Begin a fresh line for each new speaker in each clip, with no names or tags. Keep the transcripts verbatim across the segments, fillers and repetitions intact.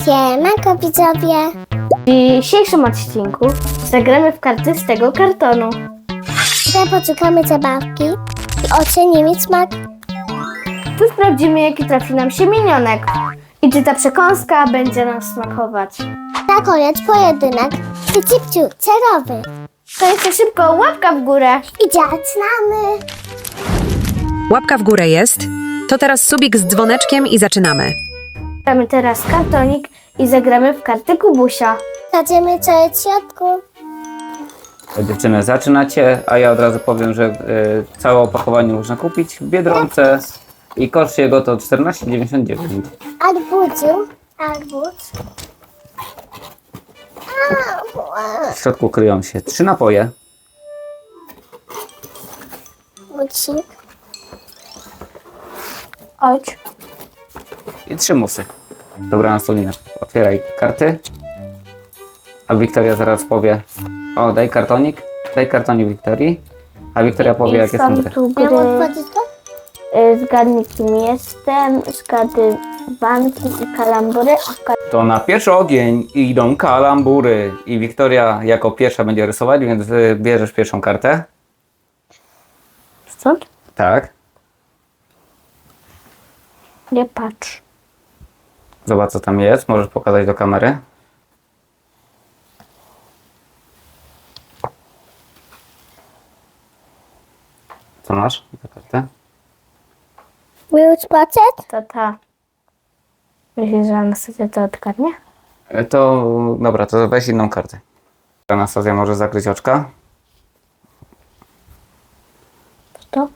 Siemanko widzowie!
W dzisiejszym odcinku zagramy w karty z tego kartonu.
Tutaj poszukamy zabawki i ocenimy smak.
Tu sprawdzimy, jaki trafi nam się minionek i czy ta przekąska będzie nam smakować.
Na koniec pojedynek cipciu cerowy.
To jeszcze szybko łapka w górę.
I zaczynamy!
Łapka w górę jest. To teraz subik z dzwoneczkiem i zaczynamy.
Zagramy teraz kartonik i zagramy w karty Kubusia.
Zobaczymy co jest w środku.
Dziewczyny, zaczynacie, a ja od razu powiem, że y, całe opakowanie można kupić w Biedronce i koszt jego to czternaście dziewięćdziesiąt dziewięć.
Arbuzu. Arbuz.
W środku kryją się trzy napoje,
Bucik.
Chodź.
i trzy musy. Dobra, Nastolina, otwieraj karty, a Wiktoria zaraz powie: o, daj kartonik, daj kartonik Wiktorii, a Wiktoria powie, jakie są
są
gry.
tu
Mam
gry.
otworzyć to?
y, Zgadnij, kim jestem, zgadywanki i kalambury. a ka-
To na pierwszy ogień idą kalambury i Wiktoria jako pierwsza będzie rysować, więc y, bierzesz pierwszą kartę.
Stąd?
Tak.
Nie patrz.
Zobacz, co tam jest. Możesz pokazać do kamery. Co masz za kartę?
Will spotted?
To ta. Myślisz, że Anastazja to odgadnie?
E, To dobra, to weź inną kartę. Anastazja może zakryć oczka.
To?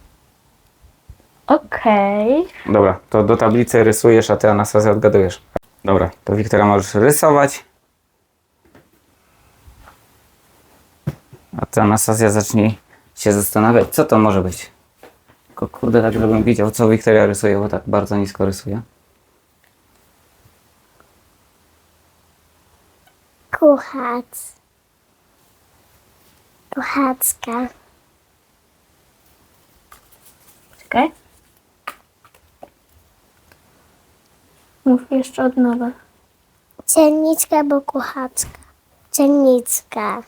Okej.
Dobra, to do tablicy rysujesz, a ty, Anastazja, odgadujesz. Dobra, to Wiktoria możesz rysować. A ty, Anastazja, zacznij się zastanawiać, co to może być. Tylko kurde, tak żebym widział, co Wiktoria rysuje, bo tak bardzo nisko rysuje.
Kuchac. Kuchacka.
Czekaj. Mów jeszcze od nowa.
Cennicka bo kuchacka. Cennicka.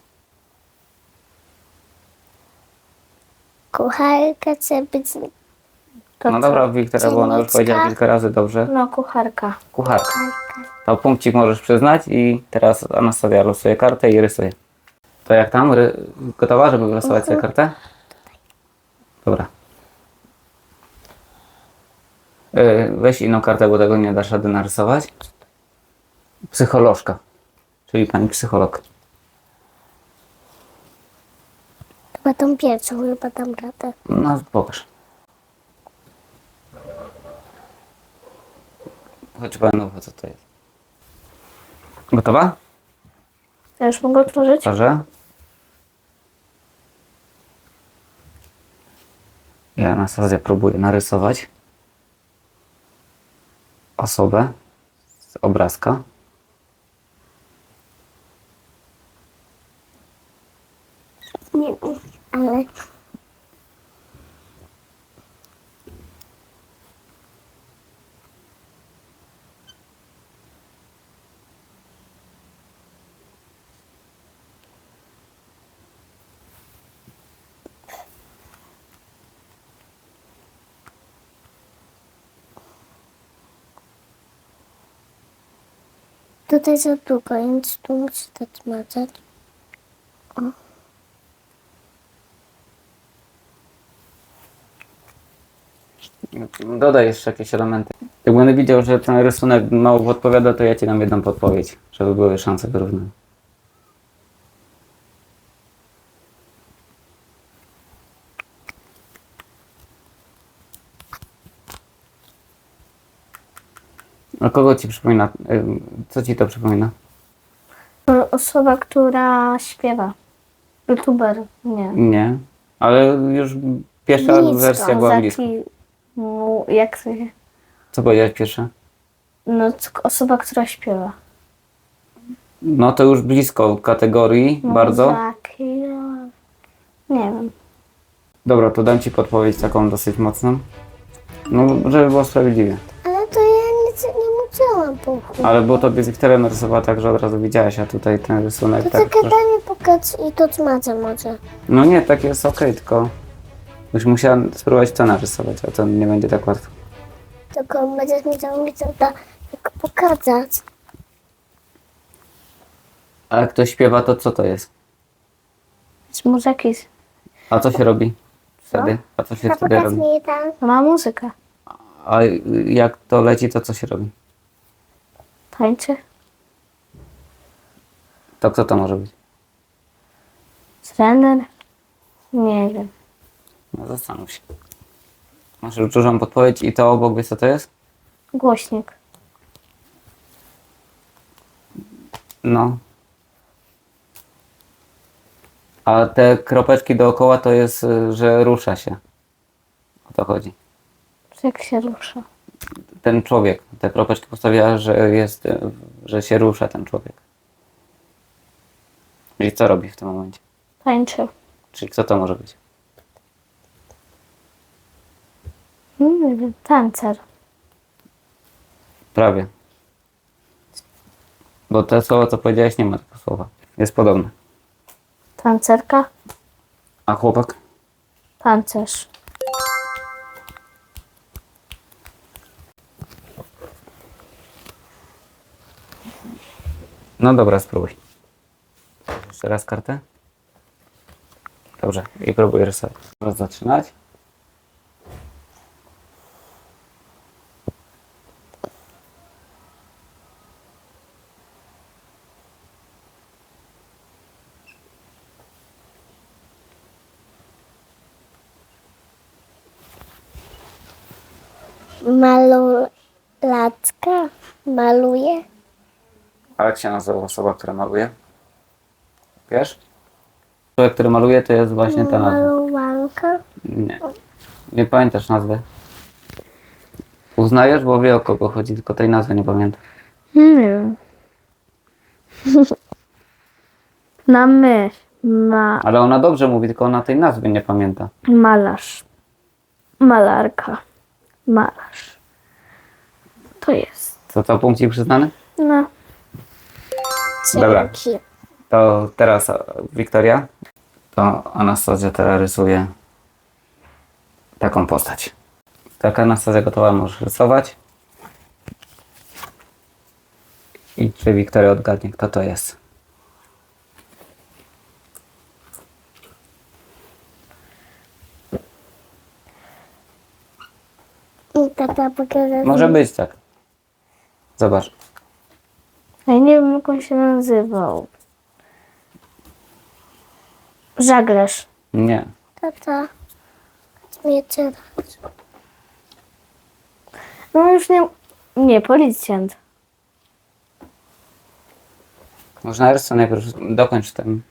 Kucharka chce być...
To
No
co?
dobra, Wiktoria, bo ona już
Cennicka.
powiedziała kilka razy dobrze.
No, kucharka.
Kucharka.
Kucharka.
To punkcik możesz przyznać i teraz Anastazja losuje kartę i rysuje. To jak tam? Ry... Gotowa, żeby wylosować sobie kartę? Dobra. Yy, weź inną kartę, bo tego nie dasz rady narysować. Psycholożka, czyli pani psycholog.
Chyba tą pierwszą, chyba tam radę.
No, pokaż. Chodź panu, co to jest. Gotowa?
Ja już mogę otworzyć?
Proszę. Ja Anastazja próbuję narysować osobę z obrazka.
Nie wiem, ale... Tutaj za długo, więc tu muszę to zmazać.
Dodaj jeszcze jakieś elementy. Jak będę widział, że ten rysunek mało podpowiada, to ja ci dam jedną podpowiedź, żeby były szanse wyrównane. A kogo ci przypomina? Ym, Co ci to przypomina?
To osoba, która śpiewa. YouTuber. Nie.
Nie, ale już pierwsza
Blisko,
wersja była blisko.
Zaki... mu- Jak to się...
Co powiedziałeś pierwsza?
No, c- osoba, która śpiewa.
No to już blisko kategorii,
No,
bardzo.
Zaki... no, Nie wiem.
Dobra, to dam ci podpowiedź taką dosyć mocną. No, żeby było sprawiedliwie.
Ale to ja nic nie muszę widziałam bułki.
Ale bo tobie Wiktoria narysowała tak, że od razu widziałaś, a tutaj ten rysunek
To
tak...
czekaj,
troszkę-
daj mi pokaz i to smażę może.
No nie, tak jest okej, tylko... Byś musiała spróbować to narysować, a to nie będzie tak łatwo.
Tylko będziesz musiał mi to da- tylko pokazać.
A jak ktoś śpiewa, to co to jest?
Z muzyki.
A co się robi wtedy? A co się
To
wtedy
pokaż
robi?
mi tam.
To ma muzykę.
A jak to leci, to co się robi?
Tańczy.
To kto to może być?
Trener. Nie wiem.
No zastanów się. Masz już dużą podpowiedź i to obok, wiesz co to jest?
Głośnik.
No. A te kropeczki dookoła to jest, y, że rusza się. O to chodzi.
Jak się rusza.
Ten człowiek, te kropeczki postawiła, że jest, y, że się rusza ten człowiek. I co robi w tym momencie?
Tańczy.
Czyli kto to może być?
Nie wiem. Tancer.
Prawie. Bo to słowo, co powiedziałeś, nie ma tego słowa. Jest podobne.
Tancerka.
A chłopak?
Tancerz.
No dobra, spróbuj. Jeszcze raz kartę. Dobrze, i próbuję rysować. Teraz zaczynać.
Malulaczka maluje.
A jak się nazywa osoba, która maluje? Wiesz? Człowiek, który maluje, to jest właśnie ta nazwa.
Maluwanka.
Nie. Nie pamiętasz nazwy? Uznajesz, bo wie o kogo chodzi, tylko tej nazwy nie pamiętam.
Nie wiem. Na my. Ma.
Ale ona dobrze mówi, tylko ona tej nazwy nie pamięta.
Malarz. Malarka. Malarz. To jest.
Co to punkcik przyznany?
No.
Dobra.
Dzięki.
To teraz e, Wiktoria. To Anastazja teraz rysuje taką postać. Tak, Anastazja gotowa, możesz rysować. I czy Wiktoria odgadnie, kto to jest?
I tata pokaże.
Może być tak. Zobacz.
Ja nie wiem, jak on się nazywał. Żaglarz.
Nie.
Tata. Nie teraz.
No już nie. Nie, policjant.
Można rysy najpierw dokończ ten.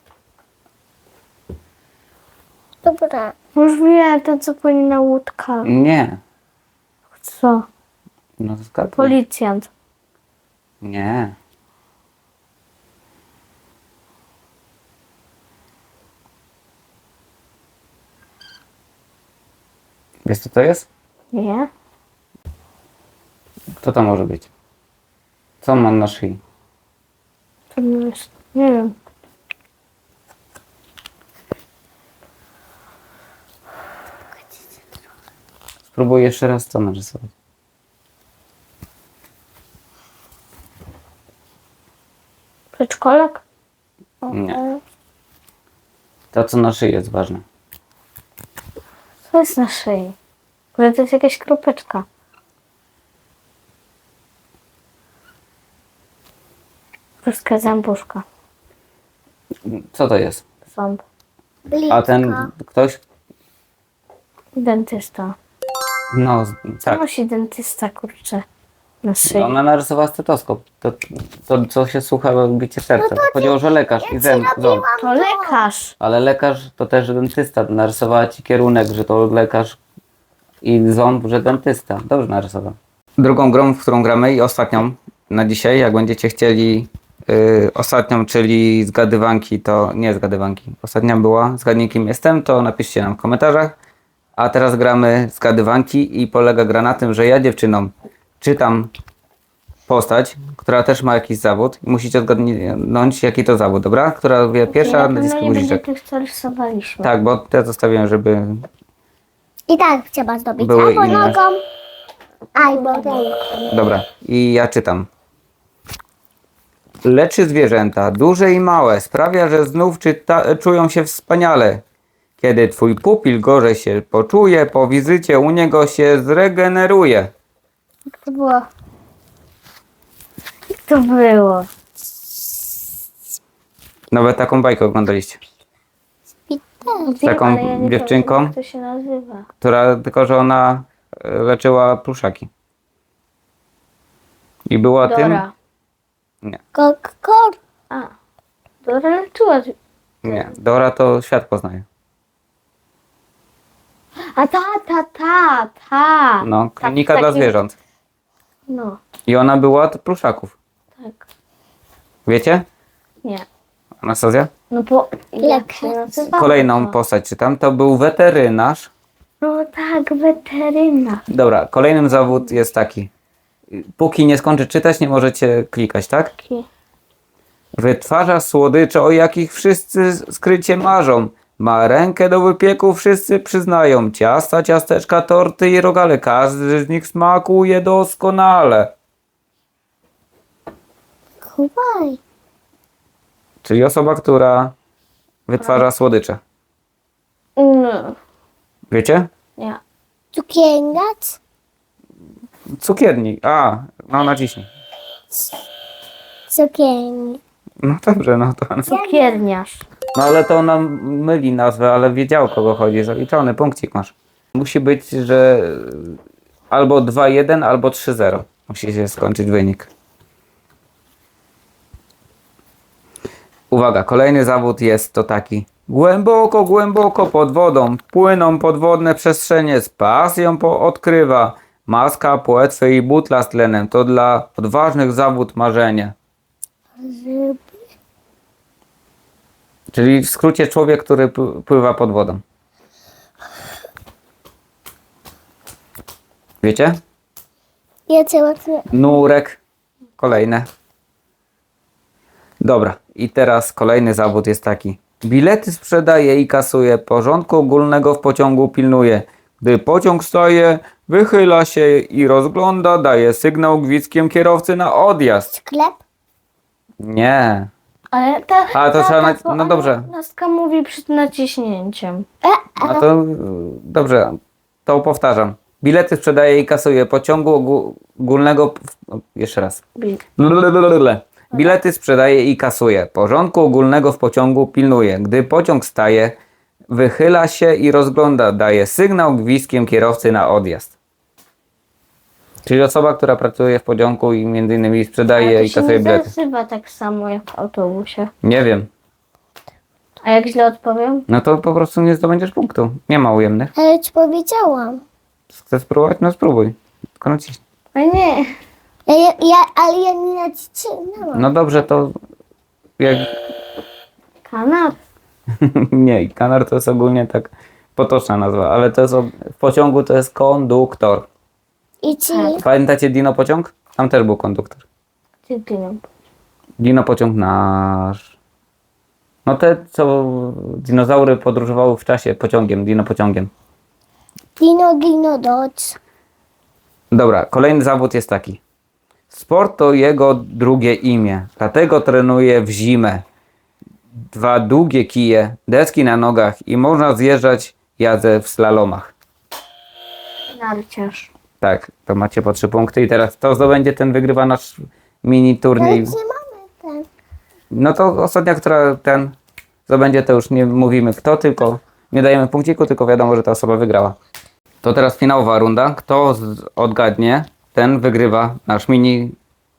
Dobra.
Już wiem, to co płynie na łódka.
Nie.
Co?
No zgadnij.
Policjant.
Nie. Wiesz co to jest?
Nie?
Kto to może być? Co on ma na szyi?
To nie jest. Nie wiem.
Spróbuj jeszcze raz to narysować.
Przedszkolak?
Nie. To co na szyi jest ważne.
Co jest na szyi? Może to jest jakaś kropeczka. Ruska zębuszka.
Co to jest?
Ząb.
Blisko.
A ten ktoś?
Dentysta.
No,
Co
tak.
nosi dentysta, kurczę, na szyi?
Ona narysowała stetoskop. To, to co się słucha bicie serca. Chodziło, że lekarz i zęb, ząb.
To lekarz.
Ale lekarz to też dentysta. Narysowała ci kierunek, że to lekarz i ząb, że dentysta. Dobrze narysował. Drugą grą, w którą gramy i ostatnią na dzisiaj, jak będziecie chcieli yy, ostatnią, czyli zgadywanki, to nie zgadywanki. Ostatnia była zgadnij kim jestem, to napiszcie nam w komentarzach. A teraz gramy zgadywanki i polega gra na tym, że ja dziewczynom czytam postać, która też ma jakiś zawód i musicie odgadnąć jaki to zawód, dobra? Która wie pierwsza,
Na
naciska
pewno nie będzie
guziczek.
tych, co rysowaliśmy.
Tak, bo te zostawiłem, żeby
I tak trzeba zdobyć
Były
albo
inne.
nogą, albo ręką.
Dobra, i ja czytam. Leczy zwierzęta, duże i małe, sprawia, że znów czyta, czują się wspaniale. Kiedy twój pupil gorzej się poczuje, po wizycie u niego się zregeneruje.
Jak to było? Jak to było?
Nawet taką bajkę oglądaliście,
I tak.
taką
Ale ja nie
dziewczynką?
pamiętam, jak to się nazywa.
która tylko, że ona e, leczyła pluszaki. I była tym...
Dora.
Kok, kor.
A. Dora leczyła.
Nie, Dora to świat poznaje.
A ta, ta, ta, ta.
No, klinika
tak,
dla
taki-
zwierząt.
No,
I ona była od pluszaków.
tak.
Wiecie?
Nie.
Anastazja?
No bo jak się
Lekarz.
nazywa?
Kolejną postać czytam. To był weterynarz.
No tak, weteryna.
Dobra, kolejnym zawód jest taki. Póki nie skończy czytać, nie możecie klikać, tak?
Taki.
Wytwarza słodycze, o jakich wszyscy skrycie marzą. Ma rękę do wypieku, wszyscy przyznają. Ciasta, ciasteczka, torty i rogale. Każdy z nich smakuje doskonale.
Chowaj.
Czyli osoba, która wytwarza słodycze.
No,
Wiecie?
nie.
Cukierniac.
Cukiernik. A, no naciśnij.
Cukierni.
No dobrze, no to...
Cukierniarz.
No ale to ona myli nazwę, ale wiedział o kogo chodzi. Zaliczony, punkcik masz. Musi być, że albo dwa jeden, albo trzy zero. Musi się skończyć wynik. Uwaga, kolejny zawód jest to taki. Głęboko, głęboko pod wodą płyną podwodne przestrzenie. Z pasją po odkrywa. Maska, płetwy i butla z tlenem. To dla odważnych zawód marzenie. Czyli w skrócie człowiek, który p- pływa pod wodą. Wiecie?
Ja cię łatwiej.
Nurek. Kolejne. Dobra. I teraz kolejny zawód jest taki. Bilety sprzedaje i kasuje. Porządku ogólnego w pociągu pilnuje. Gdy pociąg staje, wychyla się i rozgląda. Daje sygnał gwizdkiem kierowcy na odjazd.
Sklep.
Nie.
Ale ta,
A, to
ta,
trzeba
ta,
nac- no dobrze.
Nastka mówi przed naciśnięciem.
A to y, dobrze, to powtarzam. Bilety sprzedaje i kasuje. Pociągu ogó- ogólnego. w- Jeszcze raz.
Bil.
Blablabla. Bilety sprzedaje i kasuje. Porządku ogólnego w pociągu pilnuje. Gdy pociąg staje, wychyla się i rozgląda. Daje sygnał gwizdkiem kierowcy na odjazd. Czyli osoba, która pracuje w pociągu i między innymi sprzedaje
Ale
i
to się
kasuje
nie
bilety.
nazywa tak samo jak w autobusie.
Nie wiem.
A jak źle odpowiem?
No to po prostu nie zdobędziesz punktu. Nie ma ujemnych.
Ale ci powiedziałam.
Chcesz spróbować? No spróbuj. Tylko naciśnij.
A nie.
Ja, ja, ja, ale ja nie nacisnęłam.
No dobrze, to jak...
Kanap.
Nie, i kanar to jest ogólnie tak potoczna nazwa, ale to jest o... w pociągu to jest konduktor.
I ci.
Pamiętacie Dino Pociąg? Tam też był konduktor.
Gdzie pieniądz?
Dino Pociąg nasz. No te, co dinozaury podróżowały w czasie pociągiem, Dino Pociągiem.
Dino, Dino, Dodge.
Dobra, kolejny zawód jest taki. Sport to jego drugie imię, dlatego trenuje w zimę. Dwa długie kije, deski na nogach i można zjeżdżać jazdę w slalomach.
Narciarz.
Tak, to macie po trzy punkty i teraz to zdobędzie, ten wygrywa nasz mini
Ale
turniej.
gdzie mamy ten?
No to ostatnia, która ten zdobędzie, to już nie mówimy kto, tylko nie dajemy punkciku, tylko wiadomo, że ta osoba wygrała. To teraz finałowa runda. Kto z- odgadnie, ten wygrywa nasz mini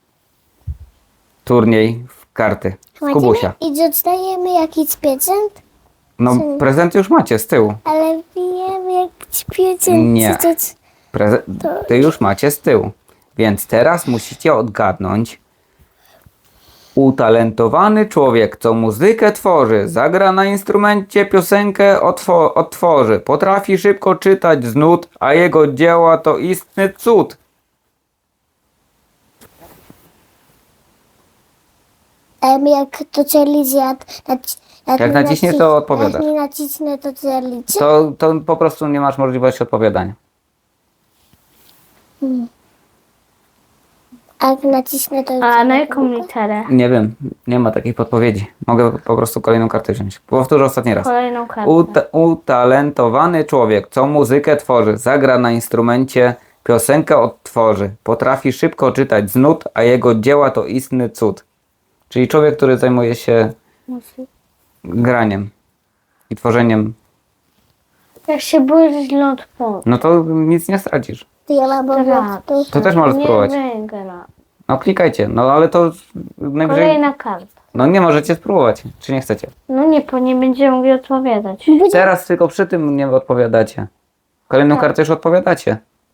turniej w karty. W Kubusia.
I dostajemy jakiś prezent?
No prezent już macie z tyłu.
Ale wiem jakiś prezent.
Nie.
Co to-
Preze- ty już macie z tyłu. Więc teraz musicie odgadnąć. Utalentowany człowiek, co muzykę tworzy, zagra na instrumencie, piosenkę otwo- odtworzy. Potrafi szybko czytać z nut, a jego dzieła to istny cud.
Em, jak to Charlie zjadł, naci-
Jak
mi
naciśniesz, to odpowiadasz.
Jak nie nacisnę, to Charlie.
To, to po prostu nie masz możliwości odpowiadania.
A jak nacisnę, to...
A na jaką literę?
Nie wiem, nie ma takiej podpowiedzi. Mogę po prostu kolejną kartę wziąć. Powtórzę ostatni raz.
Kolejną kartę.
Uta- utalentowany człowiek, co muzykę tworzy, zagra na instrumencie, piosenkę odtworzy, potrafi szybko czytać z nut, a jego dzieła to istny cud. Czyli człowiek, który zajmuje się graniem i tworzeniem.
Jak się boisz źle odpowiedź.
No to nic nie stracisz.
To ja mam po
Teraz.
prostu...
To też możesz spróbować.
Nie wygra.
No klikajcie, no ale to najwyżej...
Kolejna karta.
No nie możecie spróbować, czy nie chcecie.
No nie, bo nie będziemy mogli odpowiadać.
Teraz tylko przy tym nie odpowiadacie. Kolejną kartę już odpowiadacie.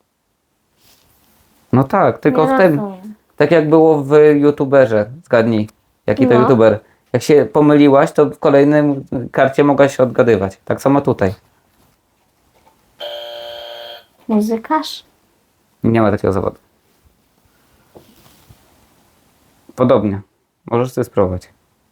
No tak, tylko
Nie
w tym.
rozumiem.
Tak jak było w youtuberze, zgadnij, jaki to
No.
youtuber. Jak się pomyliłaś, to w kolejnym karcie mogłaś odgadywać. Tak samo tutaj.
Muzykarz?
Nie ma takiego zawodu. Podobnie. Możesz ty spróbować.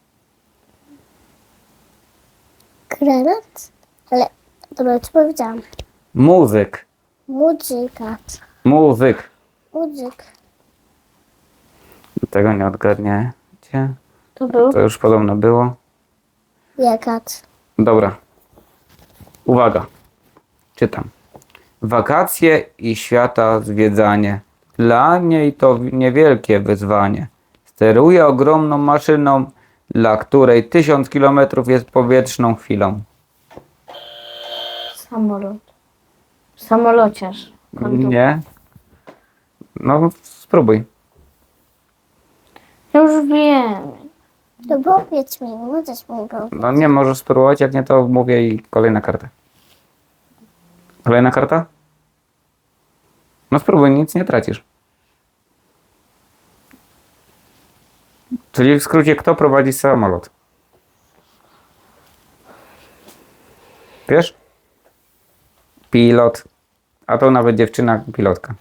Granat? Ale... Dobra, co powiedziałam?
Muzyk.
Muzyka.
Muzyk.
Muzyk.
Tego nie odgadniecie.
To był?
To już podobno było.
Jakat.
Dobra. Uwaga. Czytam. Wakacje i świata zwiedzanie. Dla niej to niewielkie wyzwanie. Steruje ogromną maszyną, dla której tysiąc kilometrów jest powietrzną chwilą.
Samolot. Samolociarz. Konduktor.
Nie? No spróbuj.
Ja już wiem.
To powiedz mi, możesz mi go.
No nie możesz spróbować, jak nie to mówię i kolejna karta. Kolejna karta? No spróbuj, nic nie tracisz. Czyli w skrócie, kto prowadzi samolot? Wiesz? Pilot. A to nawet dziewczyna pilotka.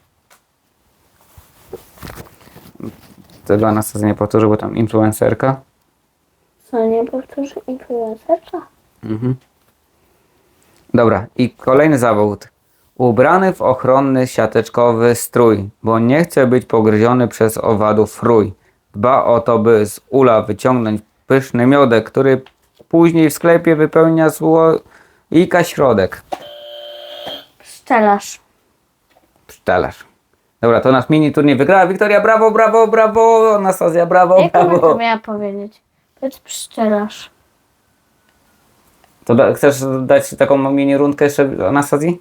Tego Anastazja nie powtórzy, bo tam influencerka.
Co, nie powtórzy influencerka?
Mhm. Dobra, i kolejny zawód. Ubrany w ochronny siateczkowy strój, bo nie chce być pogryziony przez owadów rój. Dba o to, by z ula wyciągnąć pyszny miodek, który później w sklepie wypełnia słoika środek.
Pszczelarz.
Pszczelarz. Dobra, to nasz mini turniej wygrała Wiktoria. Brawo, brawo, brawo. Anastazja, brawo,
Jak ona to
brawo.
miała powiedzieć? Powiedz pszczelarz.
To da, chcesz dać taką mini rundkę jeszcze Anastazji?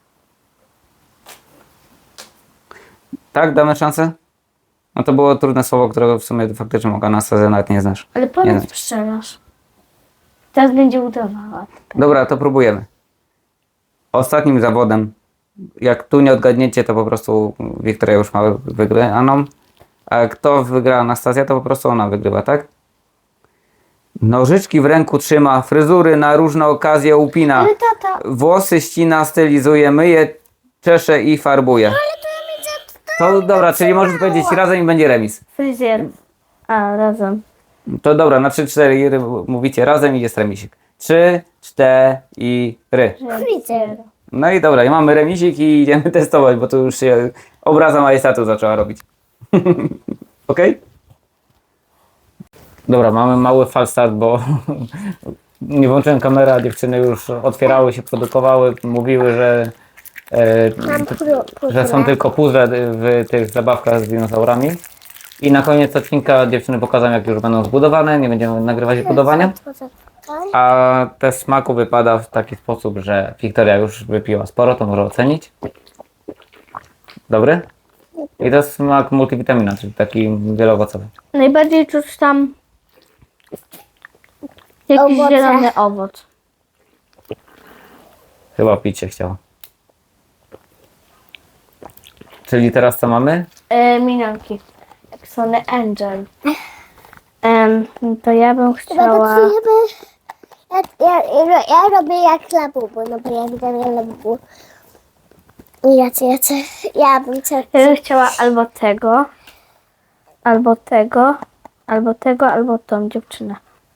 Tak, damy szansę? No to było trudne słowo, którego w sumie faktycznie mogła Anastazja nawet nie znasz.
Ale
Nie
powiedz
znam.
pszczelarz. Teraz będzie udawała.
Dobra, to próbujemy. Ostatnim zawodem, jak tu nie odgadniecie, to po prostu Wiktoria już ma wygraną. A kto wygra Anastazja, to po prostu ona wygrywa, tak? Nożyczki w ręku trzyma, fryzury na różne okazje upina.
Ale tata.
Włosy ścina, stylizuje, myje, czesze i farbuje. To dobra, czyli możesz powiedzieć razem i będzie remis.
Fryzjer. A, razem.
To dobra, na trzy cztery mówicie razem i jest remisik. trzy, cztery.
Fryzjer.
No i dobra, i mamy remisik i idziemy testować, bo tu już się obraza majestatu zaczęła robić. Okej? Dobra, mamy mały falstart, bo nie włączyłem kamery, a dziewczyny już otwierały się, produkowały, mówiły, że, e,
Mam pru-
że są
puzzle.
tylko puzzle w tych zabawkach z dinozaurami. I na koniec odcinka dziewczyny pokażą, jak już będą zbudowane, nie będziemy nagrywać budowania. A test smaku wypada w taki sposób, że Wiktoria już wypiła sporo, to może ocenić. Dobry? I to jest smak multivitamina, czyli taki wieloowocowy.
Najbardziej czuć tam jakiś
Owoce.
zielony owoc.
Chyba pić się chciało. Czyli teraz co mamy?
E, minionki. Jak Sony Angel. Em, to ja bym chciała...
Ja, ja, ja, ja robię jak labubu, no bo ja widzę jak labubu. Ja, ja, ja bym chciała...
Ja bym chciała albo tego, albo tego, Albo tego, albo tą dziewczynę.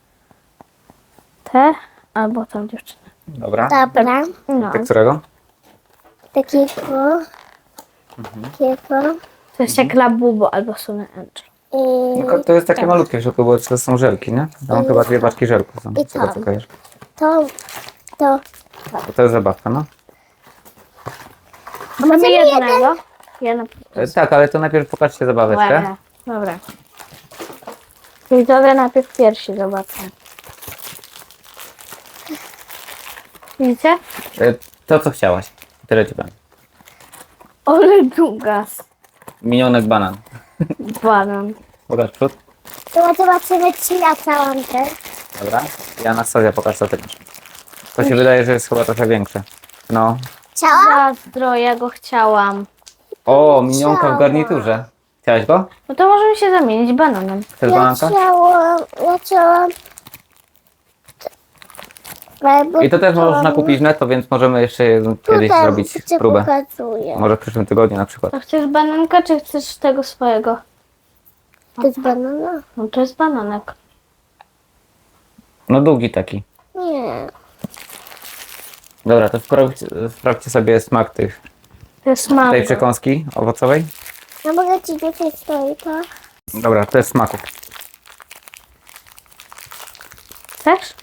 Te, albo tą dziewczynę.
Dobra.
Dobra.
No,
Tak którego?
Takiego. Takiego.
to jest jak Labubo albo Sunny Angel.
I
Tylko to jest takie malutkie w środku, bo to są żelki, nie? Tam chyba dwie paczki żelków są.
I
Z tego
tam.
co kojarzysz.
to. To.
To, to jest zabawka, no.
Mamy jednego. Jedno.
E, tak, ale to najpierw pokażcie zabaweczkę.
Łe. Dobra. Widzowie najpierw pierwsi zobaczę. Widzicie?
E, to, co chciałaś. Tyle ci powiem.
Ole długas.
Minionek banan.
Banan.
Pokaż przód.
To zobaczymy, czy ja całam też.
Dobra. I Anastazja, pokaż co ty masz. To się wydaje, że jest chyba trochę większe. No.
Ciała?
Zazdro, ja go chciałam.
O, minionka w
Chciałam.
garniturze. Chciałaś go?
No to możemy się zamienić bananem.
Chcesz
Ja
bananka?
chciałam. Ja chciałam. Albo
I to też można kupić w netto, więc możemy jeszcze kiedyś
tutaj
zrobić
ci
próbę.
pokazuję.
Może w przyszłym tygodniu na przykład.
A chcesz bananka, czy chcesz tego swojego?
To jest banana?
No to jest bananek.
No długi taki.
Nie.
Dobra, to sprawdźcie, sprawdźcie sobie smak tych,
To jest
tej
mango.
przekąski owocowej.
Ja mogę ci dzisiaj stoi to?
Dobra, to jest smaku.
Chcesz?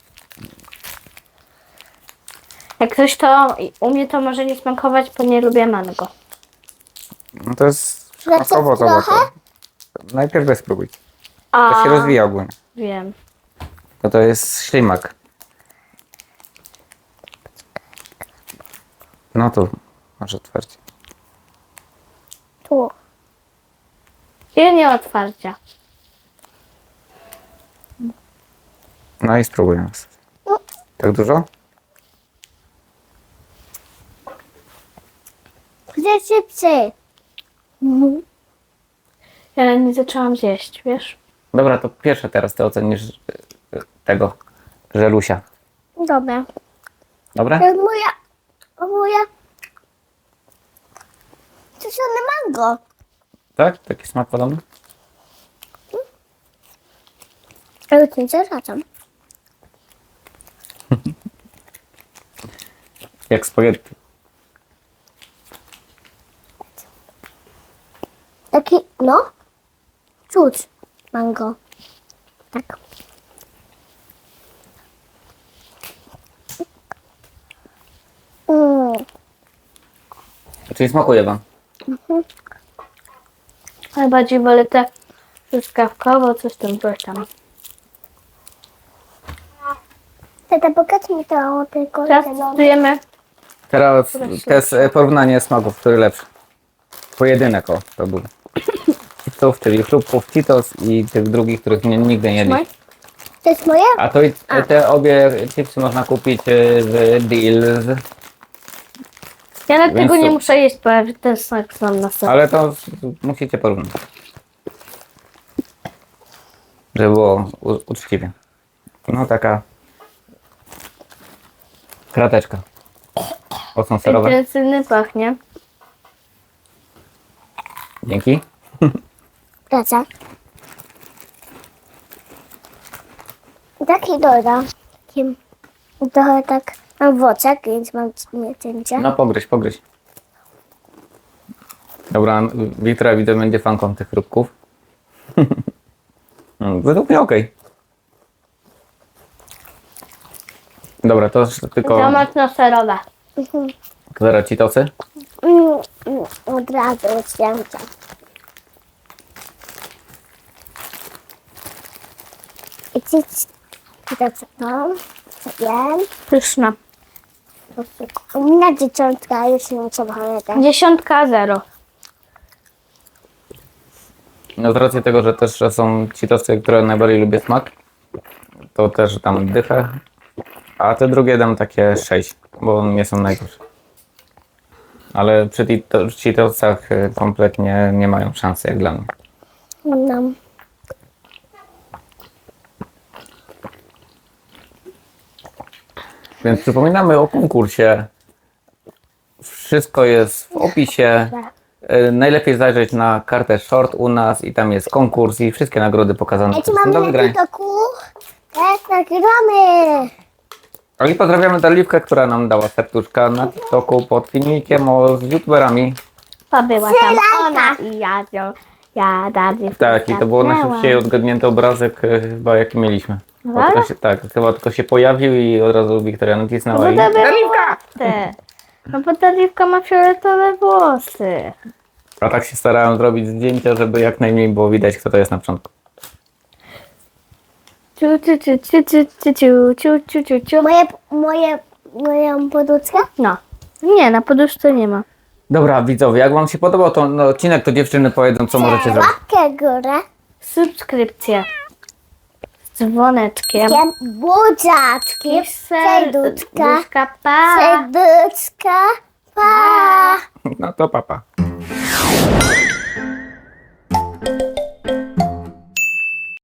Jak ktoś to, u mnie to może nie smakować, bo nie lubię mango.
No to jest
Lecę
przekąska owocowa.
trochę?
To najpierw bez spróbuj.
A,
To się rozwija ogólnie.
wiem.
To to jest ślimak. No tu, masz otwarcie.
Tu.
I nie otwarcia.
No i spróbuj nas. Tak dużo?
Gdzie szybciej?
Ja nie zaczęłam zjeść, wiesz?
Dobra, to pierwsze teraz ty ocenisz y, y, tego żelusia.
Dobra.
Dobra?
To jest moja. O moja. To jest mango.
Tak? Taki smak podobny?
Ale to nie zaczam.
Jak spaghetti.
Taki, no. Czuć mango. Tak. Mm.
Czyli smakuje wam?
Najbardziej wolę te truskawkowo, coś tam, coś tam.
Tata, pokaż mi to tylko.
Teraz testujemy.
Teraz to jest e, porównanie smaków, który lepszy. Pojedynek, o, to był. Chipsów, czyli chrupków Cheetos i tych drugich, których nie, nigdy nie jedli.
To jest moje?
A to i te obie chipsy można kupić e, w Deals,
Ja nawet
Więc
tego nie
to-
muszę jeść, bo ja ten smak znam na sobie.
ale to musicie porównać. Żeby było u- uczciwie. No taka krateczka. Ocą serowe.
Intensywny pachnie.
Dzięki.
Praca. Taki doda. Takim trochę tak mam woczek, więc mam nie cięcie.
No pogryź, pogryź. Dobra, Wiktoria widzę będzie fanką tych chrupków. No, według mnie okej. Dobra, to już tylko
To mocno-serowe.
zaraz Cheetosy.
Mm, mm, od razu cięcie. I ci i to co to? Co wiem?
Pyszna.
U mnie dzieciątka już nie trzeba pamiętać.
Dziesiątka zero.
No z racji tego, że też że są Cheetosy, które najbardziej lubię smak, to też dam dychę. A te drugie dam takie sześć, bo nie są najgorsze. Ale przy Cheeto- Cheetosach y, kompletnie nie mają szansy jak dla mnie.
No.
Więc przypominamy o konkursie. Wszystko jest w opisie. E, najlepiej zajrzeć na kartę short u nas i tam jest konkurs i wszystkie nagrody pokazane.
Ej, czy
które są do
mamy na
wygrania.
TikToku? Tak, nagrywamy.
I pozdrawiamy Darliwkę, która nam dała serduszka na TikToku pod filmikiem o, z youtuberami.
To była tam
Strzelanka.
ona i ja ją. Ja dalej.
Tak, i to było najszybciej odgadnięty obrazek e, chyba jaki mieliśmy. Bo
Dobra.
tylko się, tak, chyba tylko się pojawił i od razu Wiktoria nacisnęła i...
Darliwka! No bo Darliwka ma fioletowe włosy.
A tak się starałem zrobić zdjęcia, żeby jak najmniej było widać, kto to jest na początku.
Ciu, ciu, ciu, ciu, ciu, ciu, ciu, ciu, ciu, ciu.
Moje, moje, moją poduszkę?
No. Nie, na poduszce nie ma.
Dobra, widzowie, jak wam się podobał ten odcinek, to dziewczyny powiedzą, co możecie zrobić.
Łapkę w górę.
Subskrypcja. Z dzwoneczkiem.
Jem buziaczki. Serduszka.
Serduszka, pa.
Serduszka. Pa.
No to papa. Pa.